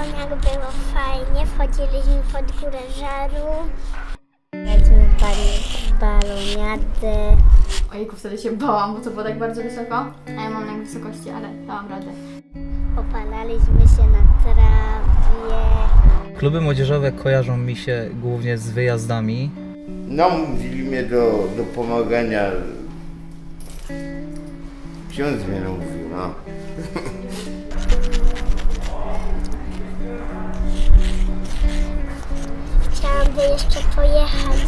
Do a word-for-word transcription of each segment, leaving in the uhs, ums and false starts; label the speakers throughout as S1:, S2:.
S1: Jak było fajnie, wchodziliśmy pod górę żaru. Graliśmy w baloniadę.
S2: Ojejku, wtedy się bałam, bo to było tak bardzo wysoko, a ja mam lęk wysokości, ale dałam radę.
S1: Opalaliśmy się na trawie.
S3: Kluby młodzieżowe kojarzą mi się głównie z wyjazdami.
S4: Namówili mnie do, do pomagania. Ksiądz mnie namówił, no.
S1: Chciałam by jeszcze pojechać.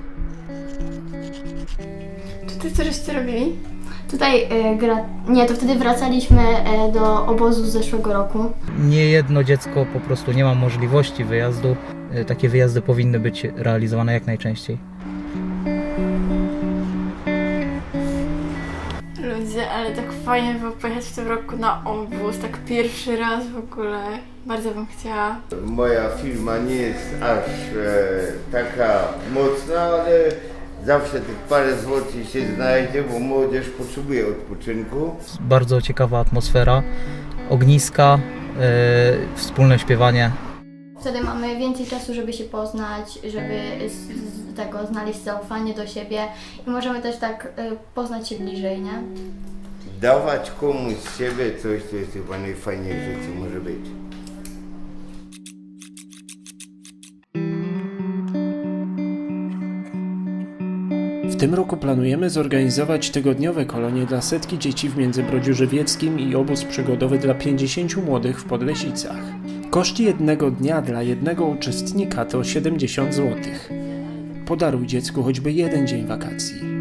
S2: Czy ty coś żeście robili? Tutaj e, gra... Nie, to wtedy wracaliśmy e, do obozu z zeszłego roku.
S3: Nie jedno dziecko po prostu nie ma możliwości wyjazdu. E, Takie wyjazdy powinny być realizowane jak najczęściej.
S2: Ludzie, ale tak fajnie było pojechać w tym roku na obóz, tak pierwszy raz w ogóle. Bardzo bym chciała.
S4: Moja firma nie jest aż e, taka mocna, ale zawsze tych parę złotych się znajdzie, bo młodzież potrzebuje odpoczynku.
S3: Bardzo ciekawa atmosfera, ogniska, e, wspólne śpiewanie.
S2: Wtedy mamy więcej czasu, żeby się poznać, żeby z, z tego znaleźć zaufanie do siebie i możemy też tak y, poznać się bliżej, nie?
S4: Dawać komuś z siebie coś, co jest chyba najfajniejsze, co może być.
S5: W tym roku planujemy zorganizować tygodniowe kolonie dla setki dzieci w Międzybrodziu Żywieckim i obóz przygodowy dla pięćdziesięciu młodych w Podlesicach. Koszt jednego dnia dla jednego uczestnika to siedemdziesiąt złotych. Podaruj dziecku choćby jeden dzień wakacji.